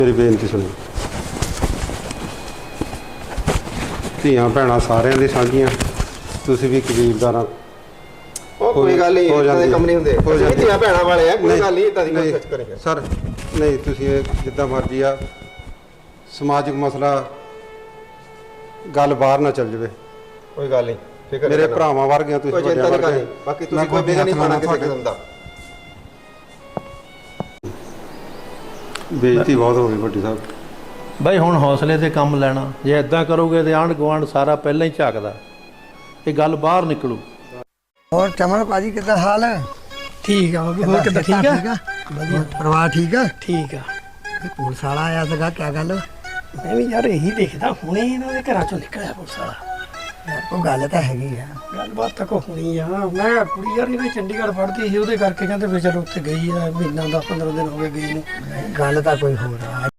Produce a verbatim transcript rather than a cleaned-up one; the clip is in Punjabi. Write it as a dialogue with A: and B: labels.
A: ਮੇਰੀ ਬੇਨਤੀ ਸੁਣੋ। ਧੀਆਂ ਭੈਣਾਂ ਸਾਰਿਆਂ ਦੀ ਸਾਂਝੀਆਂ, ਤੁਸੀਂ ਵੀ ਕਬੀਲਦਾਰਾਂ।
B: ਉਹ ਕੋਈ ਗੱਲ ਨਹੀਂ, ਇਦਾਂ ਦੇ ਕੰਮ ਨਹੀਂ ਹੁੰਦੇ। ਅਸੀਂ ਧੀਆਂ ਭੈਣਾਂ ਵਾਲੇ ਆ, ਕੋਈ ਗੱਲ ਨਹੀਂ ਇਦਾਂ ਦੀ ਗੱਲ ਕਰੇ
A: ਸਰ। ਨਹੀਂ ਤੁਸੀਂ ਜਿੱਦਾਂ ਮਰਜ਼ੀ ਆ, ਸਮਾਜਿਕ ਮਸਲਾ ਗੱਲ ਬਾਹਰ ਨਾ ਚੱਲ ਜਾਵੇ।
B: ਕੋਈ ਗੱਲ ਨਹੀਂ, ਫਿਕਰ
A: ਮੇਰੇ ਭਰਾਵਾਂ ਵਰਗੇ ਤੁਸੀਂ,
B: ਵੱਡਿਆਂ ਵਰਗੇ। ਬਾਕੀ ਤੁਸੀਂ ਕੋਈ ਬਿਗਾ ਨਹੀਂ ਪਾਣਾ ਕਿਸੇ ਕਿਸਮ ਦਾ।
A: ਬੇਇੱਜ਼ਤੀ ਬਹੁਤ ਹੋ ਗਈ ਵੱਡੀ ਸਾਹਿਬ।
C: ਬਾਈ ਹੁਣ ਹੌਸਲੇ ਤੇ ਕੰਮ ਲੈਣਾ, ਜੇ ਇਦਾਂ ਕਰੋਗੇ ਤੇ ਆਂਢ ਗੁਆਂਢ ਸਾਰਾ ਪਹਿਲਾਂ ਹੀ ਝਾਕਦਾ, ਇਹ ਗੱਲ ਬਾਹਰ ਨਿਕਲੂ।
D: ਹੋਰ ਚਮਨ ਭਾਜੀ ਕਿੱਦਾਂ ਹਾਲ ਹੈ?
E: ਠੀਕ ਆ ਬਾਬੂ, ਹੋਰ ਕਿੱਦਾਂ? ਠੀਕ ਆ,
D: ਵਧੀਆ। ਪਰਿਵਾਰ ਠੀਕ ਆ?
E: ਠੀਕ ਆ।
D: ਪੁਲਿਸ ਵਾਲਾ ਆਇਆ ਸੀਗਾ, ਕੀ ਗੱਲ?
E: ਮੈਂ ਵੀ ਯਾਰ ਇਹੀ ਦੇਖਦਾ, ਹੁਣੇ ਇਹਨਾਂ ਦੇ ਘਰਾਂ ਚੋਂ ਨਿਕਲਿਆ ਪੁਲਿਸ ਵਾਲਾ।
D: ਉਹ ਗੱਲ ਤਾਂ ਹੈਗੀ ਆ,
E: ਗੱਲਬਾਤ ਤਾਂ ਕੋ ਹੋਣੀ ਆ। ਮੈਂ ਕੁੜੀ ਯਾਰ ਇਹਨੇ ਚੰਡੀਗੜ੍ਹ ਪੜ੍ਹਦੀ ਸੀ, ਉਹਦੇ ਕਰਕੇ ਕਹਿੰਦੇ ਵੀ ਚਲੋ ਉੱਥੇ ਗਈ ਆ, ਮਹੀਨਾ ਦਸ ਪੰਦਰਾਂ ਦਿਨ ਹੋ ਗਏ ਗਈ ਨੂੰ।
D: ਗੱਲ ਤਾਂ ਕੋਈ ਹੋਰ ਆ।